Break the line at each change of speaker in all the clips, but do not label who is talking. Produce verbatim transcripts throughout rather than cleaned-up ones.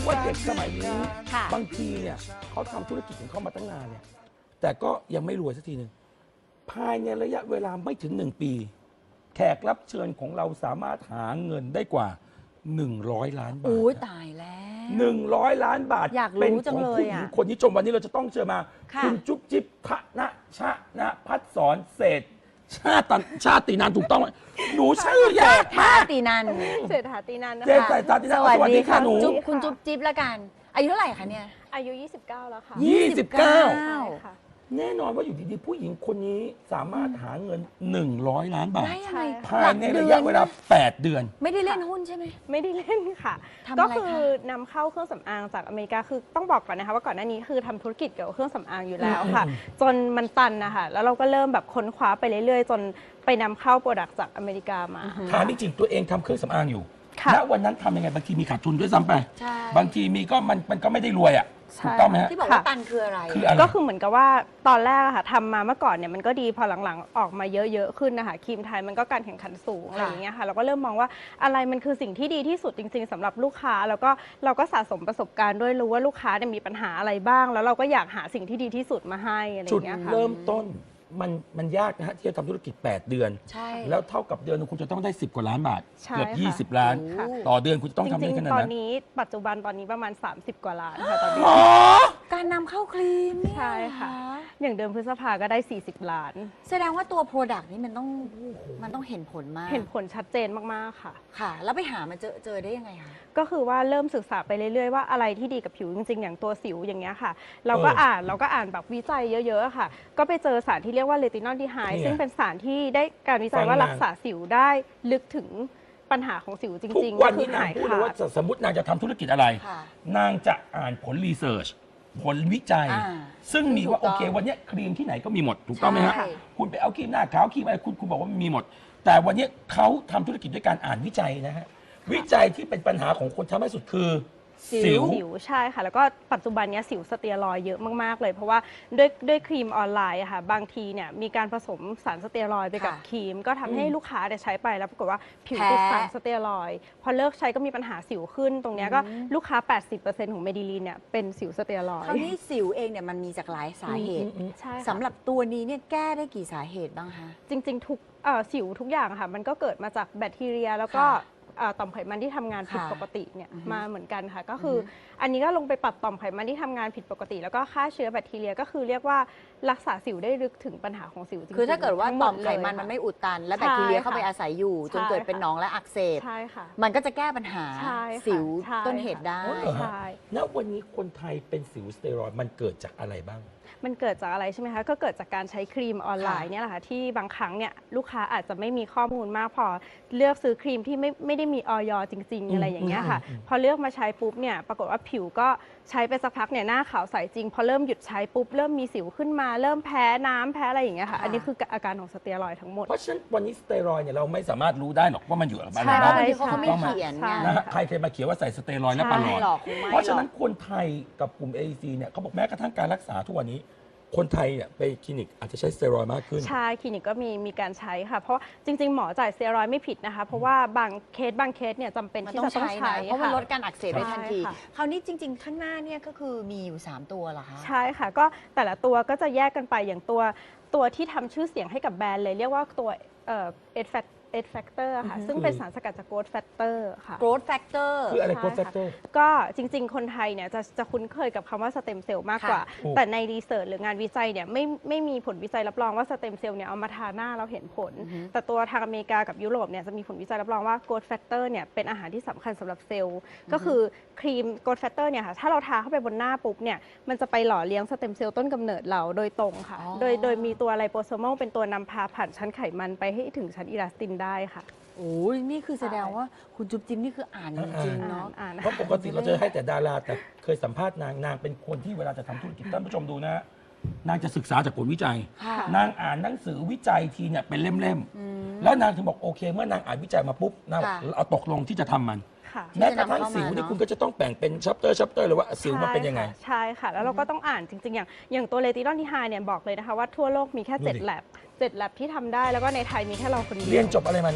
ว่าเด็กสมัยนี้บางทีเนี่ยเขาทำธุรกิจของเขามาตั้งนานเนี่ยแต่ก็ยังไม่รวยสักทีหนึ่งภายในระยะเวลาไม่ถึงหนึ่งปี แขกรับเชิญของเราสามารถหาเงินได้กว่าหนึ่งร้อยล้านบาท
โอ้ยตายแล้ว
หนึ่งร้อยล้านบาท
อยากรู้
เป็น
จั
ของ
งเลย
ผู้หญิง
อะ
คนนี้ชมวันนี้เราจะต้องเชิญมา
ค่ะ
คุณจุ๊บจิ๊บทะนะชะนะพัดสอนเศรษฐชาติชาตินันถูกต้องไหมหนูชื่อยากมาก
ตีนัน
เศรษฐาตีนันนะ
เศรษ
คะ
ฐาตีนัน
สวัสดีค่ะ
หนู
จุ๊บคุณจุ๊บจิ๊บละกัน อายุเท่าไหร่คะเนี่ย
อายุ ยี่สิบเก้า แล้วค่ะ
ยี่สิบเก้า
ใช่
ใช่ค่ะ
แน่นอนว่าอยู่ดีๆผู้หญิงคนนี้สามารถหาเงินหนึ่งร้อยล้านบาท
ได้ยังไง
ภายในระยะเวลาแปดเดือน
ไม่ได้เล่นหุ้นใช่ไหม
ไม่ได้เล่นค่ะ
ทำ
ก็
อะไรคะ
คือนำเข้าเครื่องสำอางจากอเมริกาคือต้องบอกก่อนนะคะว่าก่อนหน้านี้คือทำธุรกิจเกี่ยวกับเครื่องสำอางอยู่แล้วค่ะ
อืม
จนมันตันนะคะแล้วเราก็เริ่มแบบค้นคว้าไปเรื่อยๆ จนไปนำเข้าโปรดักต์จากอเมริกามา
ถามจริงๆตัวเองทำเครื่องสำอางอยู่
ค่ะ
ณวันนั้นทำยังไงบางทีมีขาดทุนด้วยซ้ำไป
ใช่
บางทีมีก็มันมันก็ไม่ได้รวยอ่ะ
ใช่
ถูกต้องไหมฮะ
ที่บอกว่า
ค่ะ
ตันคืออะไร
คืออะไร
ก็คือเหมือนกับว่าตอนแรกอะค่ะทำมาเมื่อก่อนเนี่ยมันก็ดีพอหลังๆออกมาเยอะๆขึ้นนะคะครีมไทยมันก็การแข่งขันสูงอะไรอย่างเงี้ยค่ะเราก็เริ่มมองว่าอะไรมันคือสิ่งที่ดีที่สุดจริงๆสำหรับลูกค้าแล้วก็เราก็สะสมประสบการณ์ด้วยรู้ว่าลูกค้าเนี่ยมีปัญหาอะไรบ้าง แล้วเราก็อยากหาสิ่งที่ดีที่สุดมาให้อะไรอ
จุด
ย่างเงี้ยค่ะ
เริ่มต้นมันมันยากนะฮะที่จะทำธุรกิจ แปด เดือน
ใช่
แล้วเท่ากับเดือนหนึงคุณจะต้องได้ สิบ กว่าล้านบาท
ใช่
เกือบ
ค่ะ
ยี่สิบ ล้าน
ค่ะ
ต่อเดือนคุณจะต้อง
จ
ทำ
ริ
ได้
ง
ขนาด
ๆ ตอน
นั้น
นี้ปัจจุบันตอนนี้ประมาณ สามสิบ กว่าล้านค่ะตอนนี้
อ๋อ
การนำเข้าครีมเนี่ย
ใช่ค่ะ อย่างเดือนพฤษภาก็ได้ สี่สิบ ล้าน
แสดงว่าตัว Product นี่มันต้องมันต้องเห็นผลมาก
เห็นผลชัดเจนมากๆค่ะ
ค่ะ แล้วไปหามาเจอเจอได้ยังไงคะ
ก็คือว่าเริ่มศึกษาไปเรื่อยๆว่าอะไรที่ดีกับผิวจริงๆ อย่างตัวสิวอย่างเงี้ยค่ะ เราก็
เอออ่
อ่านเราก็อ่านแบบวิจัยเยอะๆค่ะ ก็ไปเจอสารที่เรียกว่าเลตินอลดีไฮ
นี่ไง
ซึ่งเป็นสารที่ได้การวิจัยว่า
ฟังมา
รักษาสิวได้ลึกถึงปัญหาของสิวจ
ทุก
ริงๆ
วัน
ก็คื
นี้
อน
าง
หาย
พูดเลย
ขา
ว่า
ด
สมมตินางจะทำธุรกิจอะไร
ค่ะ
นางจะอ่านผลรีเสิร์ชผลวิจัย
อ่า
ซึ่งมีว่า
ถู
โอก
ต้อง
เควันเนี้ยครีมที่ไหนก็มีหมดถูกต้องไหมฮะ
ใช่
คุณไปเอาครีมหน้าขาวครีมอะไรคุณคุณบอกว่ามันมีหมด แต่วันเนี้ยเขาทำธุรกิจด้วยการอ่านวิจัยนะฮะวิจัยที่เป็นปัญหาของคนทำให้สุดคือ
สิว
สิวใช่ค่ะ แล้วก็ปัจจุบันเนี้ยสิวสเตียรอยด์เยอะมากๆเลย เพราะว่าด้วยด้วยครีมออนไลน์อะค่ะบางทีเนี่ยมีการผสมสารสเตียรอยด์ไปกับ
ค่ะ
ครีม ก็ทำให้ลูกค้าเนี่ยใช้ไปแล้วปรากฏว่าผิว
แพ้
ติดสารสเตียรอยด์พอเลิกใช้ก็มีปัญหาสิวขึ้น ตรงเนี้ยก็
อืม
ลูกค้า แปดสิบเปอร์เซ็นต์ ของเมดิลีนเนี่ยเป็นสิวสเตียรอย
คราว
ด์
นี้สิวเองเนี่ยมันมีจากหลายสาเหตุ
ใช่ค่ะ
สำหรับตัวนี้เนี่ยแก้ได้กี่สาเหตุบ้างคะ
จริงๆทุกเอ่อสิวทุกอย่างอะค่ะมันก็เกิดมาจากแบคทีเรีย แล้วก็
ค่ะ
เอ่อต่อมไขมันที่ทำงานผิด
ค่ะ
ปกติเนี่ย
อือฮึ
มาเหมือนกันค่ะ ก็คืออ
อฮึ
อันนี้ก็ลงไปปรับต่อมไขมันที่ทำงานผิดปกติ แล้วก็ฆ่าเชื้อแบคทีเรียก็คือเรียกว่ารักษาสิวได้ลึกถึงปัญหาของสิวจริงๆ
คือถ้าเกิดว่า
ทั้งห
ต่
ด
อมไขมัน
เลย
มัน
ค่ะ
ไม่อุดตัน และ
ใช่
แบคทีเรียเข้า
ค่ะ
ไปอาศัยอยู่ จน
ใช่
เกิดเป็น
ค่ะ
หนองและอักเสบ
ใช่ค่ะ
มันก็จะแก้ปัญหา
ใช่ค่ะ
สิว
ใช่
ต้นเหตุได้
อ๋อเหรอฮะ
ใช่
ณวันนี้คนไทยเป็นสิวสเตียรอยด์มันเกิดจากอะไรบ้าง
มันเกิดจากอะไรใช่ไหมคะ ก็เกิดจากการใช้ครีมออนไลน์
ค่ะ
เนี่ยแหละค่ะที่บางครั้งเนี่ยลูกค้าอาจจะไม่มีข้อมูลมากพอเลือกซื้อครีมที่ไม่ไม่ได้มีออยจริง ๆ อะไรอย่างเงี้ยค่ะ
อืมอืมอืม
พอเลือกมาใช้ปุ๊บเนี่ยปรากฏว่าผิวก็ใช้ไปสักพักเนี่ยหน้าขาวใสจริง พอเริ่มหยุดใช้ปุ๊บเริ่มมีสิวขึ้นมา เริ่มแพ้น้ำแพ้อะไรอย่างเงี้ยค่ะ
ค่ะ
อันนี้คืออาการของสเตียรอยด์ทั้งหมด
เพราะฉะนั้นวันนี้สเตียรอยด์เนี่ยเราไม่สามารถรู้ได้หรอกว่ามันอยู่กับอะไร
ใช่
บ้าง
บางทีเขาก็ไม่
ถูกต้องไหม
เขียน
ใช่
ไง
นะฮะใครเคยมาเขียนว่าใส่สเตียรอยด์และปลาหลอ
ไม่
ด
หรอกคงไม่
เพราะฉะนั้น
หรอก
คนไทยกับกลุ่ม เอ ซี เนี่ยเขาบอกแม้กระทั่งการรักษาทุกวันนี้ คนไทยเนี่ยไปคลินิกอาจจะใช้สเตียรอยด์มากขึ้น
ใช่คลินิกก็มีมีการใช้ค่ะ เพราะจริง ๆ หมอจ่ายสเตียรอยด์ไม่ผิดนะคะ เพราะว่าบางเคสบางเคสเนี่ยจำเป็น
มัน
ที่
ต้อง
จะต้อง
ใช้
ใช้
นะเพราะมัน
ค่
ลดการอักเสบได้ทันที
ใช่ค่ะ
คราวนี้จริง ๆ ข้างหน้าเนี่ยก็คือมีอยู่ สาม ตัวเหรอคะ
ใช่ค่ะ ก็แต่ละตัวก็จะแยกกันไปอย่างตัวตัวที่ทำชื่อเสียงให้กับแบรนด์เลย เรียกว่าตัวเอ่อเอดแฟตเอดแฟกเตอร์ค่ะ
อือฮึ
ซึ่งเป็นสารสกัดจากโกรทแฟกเตอร์ค่ะ
growth factor
คืออะไร
ใช่
โกรทแฟกเตอร์
ก็จริง ๆ คนไทยเนี่ยจะจะคุ้นเคยกับคำว่าสเต็มเซลล์มากกว่า
ค่ะ
ถูก
แต่ในรีเสิร์ชหรืองานวิจัยเนี่ยไม่ไม่มีผลวิจัยรับรองว่าสเต็มเซลล์เนี่ยเอามาทาหน้าเราเห็นผล
อือฮึ
แต่ตัวทางอเมริกากับยุโรปเนี่ยจะมีผลวิจัยรับรองว่าโกรทแฟกเตอร์เนี่ยเป็นอาหารที่สำคัญสำหรับเซลล์ ก็คือครีมโกรทแฟกเตอร์เนี่ยค่ะถ้าเราทาเข้าไปบนหน้าปุ๊บเนี่ยมันจะไปหล่อเลี้ยงสเต็มเซลล์ต้นกำเนิดเราโดยตรงค่ะ
อ๋อ
โดยโดยมีตัวไลโปโซมอลเป็นตัวนำพาผ่านชั้นไขมันไปให้ถึงชั้นอิลาสตินได้ค่ะ
โอ้ยนี่คือแสดงว่าคุณจุ๊บจิ๊บนี่คืออ่านจริงๆ
อ่า
เนาะ
นอ่าน
เพราะปกติเราจะให้แต่ดารา แต่เคยสัมภาษณ์นางนางเป็นคนที่เวลาจะทำธุรกิจท่านผู้ชมดูนะฮะนางจะศึกษาจากผลวิจัย
ค่ะ
นางอ่านหนังสือวิจัยทีเนี่ยเป็นเล่ม
อืม
ๆ แล้วนางถึงบอกโอเค เมื่อนางอ่านวิจัยมาปุ๊บนาง
ค่ะ
เอาตกลงที่จะทำมัน
ค่ะ
แม้กระทั่ง
ที่จะนำเข้ามา
สิวนี่
เนอะ
คุณก็จะต้องแบ่งเป็นชัปเตอร์ชัปเตอร์เลยว่าสิวมันเป็นยังไง
ใช่ค่ะ แล้วเราก็ต้องอ่านจริง ๆ อย่างอย่างตัวเลตินอลที่ไฮเนี่ยบอกเลยนะคะว่าทั่วโลกมีแค่
ดูดิ
เจ็ดแลบเจ็ดแลบที่ทำได้แล้วก็ในไทยมีแค่เราคนเดียว
เรียนจบอะไรมานี่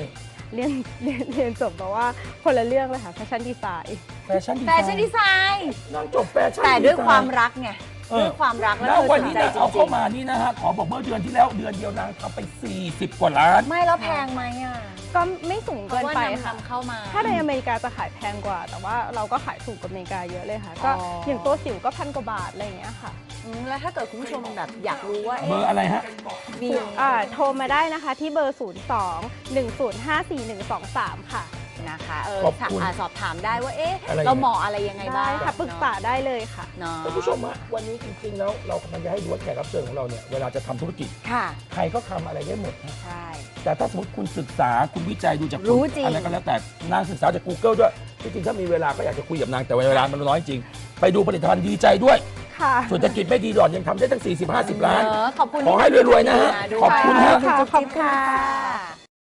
เรียนเรียนเรียนจบแบบว่าคนละเรื่องเลยค่ะแฟชั่นดีไซน์
แฟชั่นดีไซ
แฟ
น์
ชั่นดีไซน์
นางจบแฟชั่น
แต่
ดีไซน์
ด้วยความรักไง
เออ
ด้วยความรักแล้ว
แล้ว
เธอ
วัน
สน
นี้
ใจ
นะ
จ
เอา
ริ
เข้าง มานี่นะฮะขอบอกเมื่อเดือนที่แล้วเดือนเดียวนางทำไปสี่สิบกว่าล้าน
ๆไม่แล้วแพงไหมอ่ะ
ก็ไม่สูง
เพ
เกิน
ราะว่า
ไป
นำ
ค่ะ
นำเข้ามา
ถ้าในอเมริกาจะขายแพงกว่า แต่ว่าเราก็ขายถูกกว่าอเมริกาเยอะเลยค่ะ ก็
อ๋อ
อ
อ
ย่างตัวสิวก็พันกว่าบาทอะไรอย่างเงี้ยค่ะ
อืมแล้วถ้าเกิดคุณผู้ชมแบบอยากรู้ว่า
เบอ
เอ๊ะ
ร์อะไรฮะ
มี
อ่าโทรมาได้นะคะที่เบอร์ ศูนย์ สอง หนึ่ง ศูนย์ ห้า สี่ หนึ่ง สอง สาม ค่ะ
นะคะเออ
ขอบคุณ
อ่าสอบถามได้ว่าเอ๊ะ
อะไร
เราเหมาะอะไรยังไงบ้า
ได้
ง
ค่ะปรึกษาได้เลยค่ะ
เนาะ
ท่านผู้ชมฮะวันนี้จริงๆแล้วเรากำลังจะให้ดูว่าแขกรับเชิญของเราเนี่ยเวลาจะทำธุรกิจ
ค่ะ
ใครก็ทำอะไรได้หมดฮะ
ใช่
แต่ถ้าสมมติคุณศึกษาคุณวิจัยดูจาก
รู้จริง
อะไรก็แล้วแต่นางศึกษาจาก Google ด้วยจริงๆถ้ามีเวลาก็อยากจะคุยกับนางแต่เวลามันน้อยจริง ไปดูผลิตภัณฑ์ดีใจด้วย
ค่ะ
เศรษฐกิจไม่ดีหล่อนยังทำได้ตั้ง สี่สิบ ห้าสิบ ล้าน
เออขอบคุณ
ขอให้รวยๆนะฮะ
ด้วย
ขอบคุณฮะ
ขอบคุณ
ขอบคุณ
ค่ะ
ค่ะ